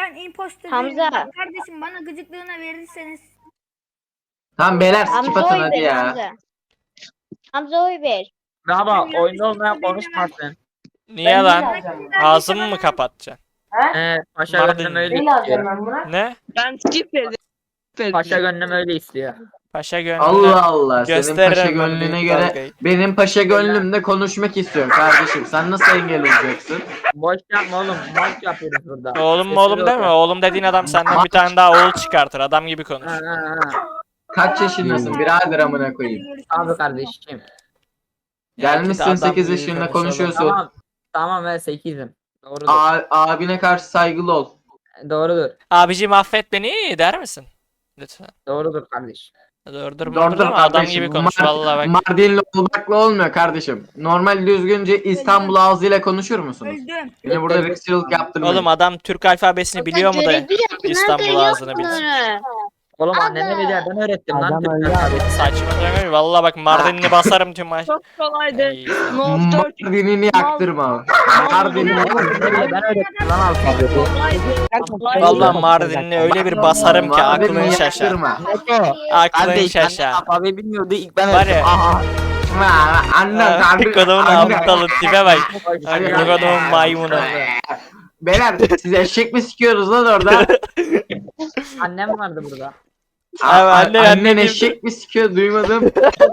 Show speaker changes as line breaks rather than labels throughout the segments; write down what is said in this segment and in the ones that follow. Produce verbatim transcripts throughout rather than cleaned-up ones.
ben imposter
Hamza.
değilim. Bak kardeşim bana gıcıklığına verirseniz.
Tamam beyler skip
Hamza
atın
oy
hadi
ver
ya.
Hamza. Hamza oy ver.
Bravo,
Ben
oyunda
yanlış
olmayan
söyledim.
konuşmasın.
Niye lan? Ağzımı mı kapatacaksın?
Ee, paşa
Mardin.
gönlüm öyle
Neyle alacağım
istiyor.
ben buna?
Ne?
Ben skip verdim.
Paşa gönlüm öyle istiyor.
Paşa gönlüne
Allah Allah. Senin
gösteririm
paşa
ben
gönlüne
büyük
göre
dalgayı.
benim paşa gönlümde konuşmak istiyorum kardeşim. Sen nasıl engel olacaksın?
Boş yapma oğlum, maç yapıyoruz burada.
Oğlum mu oğlum
Sesli
deme.
ol.
Oğlum dediğin adam senden bir tane daha oğul çıkartır. Adam gibi konuş.
Ha, ha, ha.
Kaç yaşındasın birader amına koyayım?
Abi kardeşim.
Gelmişsin
Adam
sekiz
gibi
yaşında
konuşalım.
konuşuyorsun.
Tamam. Tamam ben sekizim. Doğrudur.
A- abine karşı saygılı ol.
Doğrudur.
Abiciğim affet beni der misin? Lütfen.
Doğrudur kardeş.
Doğrudur mu?
Doğrudur
Ama adam
kardeşim.
gibi konuş
Mar-
vallahi bak.
Mardinli olmakla olmuyor kardeşim. Normal düzgünce İstanbul ağzıyla konuşur musunuz?
Öldüm.
Beni burada ırkçılık yaptırmayın.
Oğlum adam Türk alfabesini biliyor mu da İstanbul ağzını bilsin.
Oğlum annene bir de ben öğrettim lan Türk alfabeti.
Saçma söyleme. Vallahi bak Mardinli basarım tüm maç.
Çok kolaydı.
Ay,
Nof dört
Mardin'ini yaktırma. Mardin'ini
Ben öğrettim lan alfabeti.
kolaydı.
Vallahi Mardinli öyle bir basarım ki aklın
Mardin'ini
şaşar.
yaktırma.
Aklın
Kardeş ben
şaşar.
alfabeyi bilmiyordu ilk ben
Var
öğrettim.
ya.
Aha.
Ha, Anne kardeşim.
Kodumun
Anne.
aptalı tipe bak.
Hadi.
Kodumun maymunu.
Beyler siz eşek mi sikiyoruz lan orada?
Annem vardı burada.
Abi
A-
anne-
Annen
anne-
eşek mi sikiyor duymadım.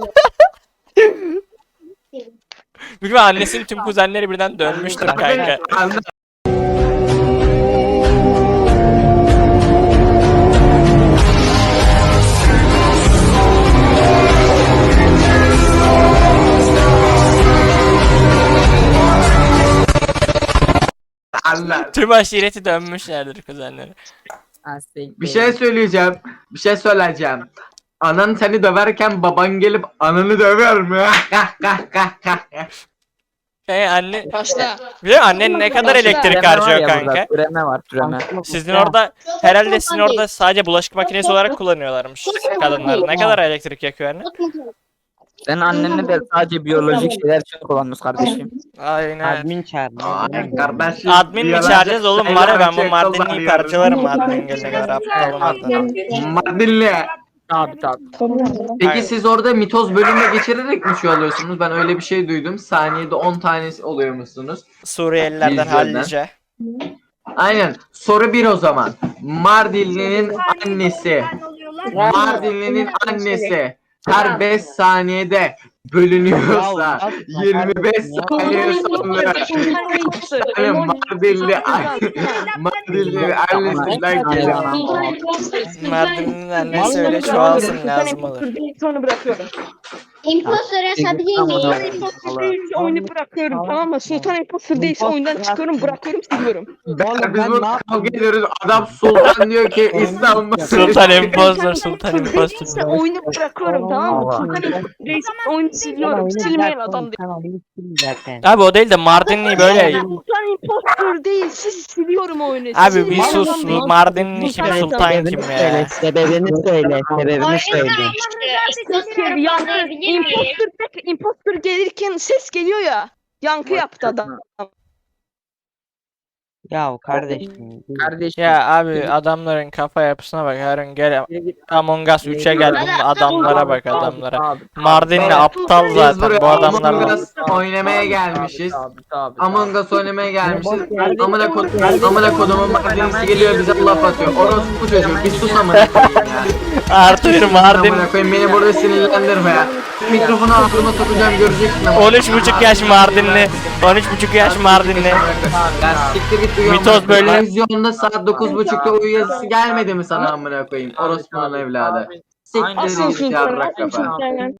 Büyük ihtimalle annesinin tüm kuzenleri birden dönmüştür kanka.
Anne- Allah.
Tüm aşireti dönmüşlerdir kuzenleri.
Bir şey söyleyeceğim. Bir şey söyleyeceğim. Anan seni döverken baban gelip ananı döver mi? Kah kah kah kah.
Şey anne,
Başla.
biliyor musun annen ne kadar elektrik harcıyor kanka?
Türeme var türeme.
Sizin orada herhalde sizin orada sadece bulaşık makinesi olarak kullanıyorlarmış kadınlar. Ne kadar elektrik yakıyor anne?
Senin annenle de sadece biyolojik şeyler için kullanmış kardeşim.
Aynen.
Admin çağır.
Ay kardeşim.
Admin mi
yalan-
çağıracağız oğlum? Var ya ben bu
Yalan-
Mardinli'yi parçalarım admin gelene kadar aptal olmadan.
Mardinli.
Tabi tabi.
Peki
Aynen.
siz orada mitoz bölümüne geçirerek mi şu alıyorsunuz? Ben öyle bir şey duydum. Saniyede on tanesi oluyormuşsunuz.
Suriyelilerden
Vizyondan.
hallice.
Aynen. Soru bir o zaman. Mardinli'nin annesi.
Ben oluyorlar.
Mardinli'nin annesi her beş saniyede bölünüyorsa yirmi beş saniye sonra hani Mardinli Mardinli annesinden geliyor.
Mardin'in annesi öyle çoğalsın lazım olur.
Sonra bırakıyorum.
İmposter asabilir miyim?
İmposter değilse oyunu bırakıyorum, tamam mı? Sultan imposter değilse oyundan çıkıyorum, bırakıyorum, siliyorum.
Beyler biz burada kavga ediyoruz. Adam Sultan diyor ki İstanbul.
Sultan imposter,
Sultan
sultan
imposter değilse
imposter.
oyunu bırakıyorum, tamam mı? Sultan imposter değilse oyunu siliyorum. Silmeyen adam değil.
Zaten.
Abi o değil de Mardinli böyle.
Sultan imposter değilse siliyorum oyunu.
Abi bir
Silmeyen
sus.
adam değil.
Bu Mardinli kim
Sultan
sultan
Sebebini
kim
söyle,
ya?
sebebini söyle, sebebini söyle.
Imposter yankı, imposter, imposter gelirken ses geliyor ya. Yankı yaptı adam.
Ya kardeşim.
Kardeşim.
Ya abi adamların kafa yapısına bak. Her gün gel Among Us üçe gel bunun adamlara bak adamlara.
Tabi,
Mardinli
Evet.
aptal
Biz
zaten
buraya
bu adamlar.
Among Us oynamaya gelmişiz.
tabi, tabi.
Among Us oynamaya gelmişiz. Amına kod amına kodumun Mardinlisi geliyor bize laf atıyor. Orospu çocuğu bir sus amına koyayım ya.
Artır Mardin.
Amına koyayım beni burada sinirlendirme ya. Mikrofonu ağzıma sokacağım göreceksin ama.
on üç buçuk yaş Mardinli. on üç buçuk yaş Mardinli.
Ya siktir git uyan.
Mitoz böyle-
Televizyonda saat dokuz buçukta uyu yazısı gelmedi mi sana amına koyayım? Orospunun evladı. Siktir
Asıl
git
sultan,
yarrak
asıl
kafa.
sultan.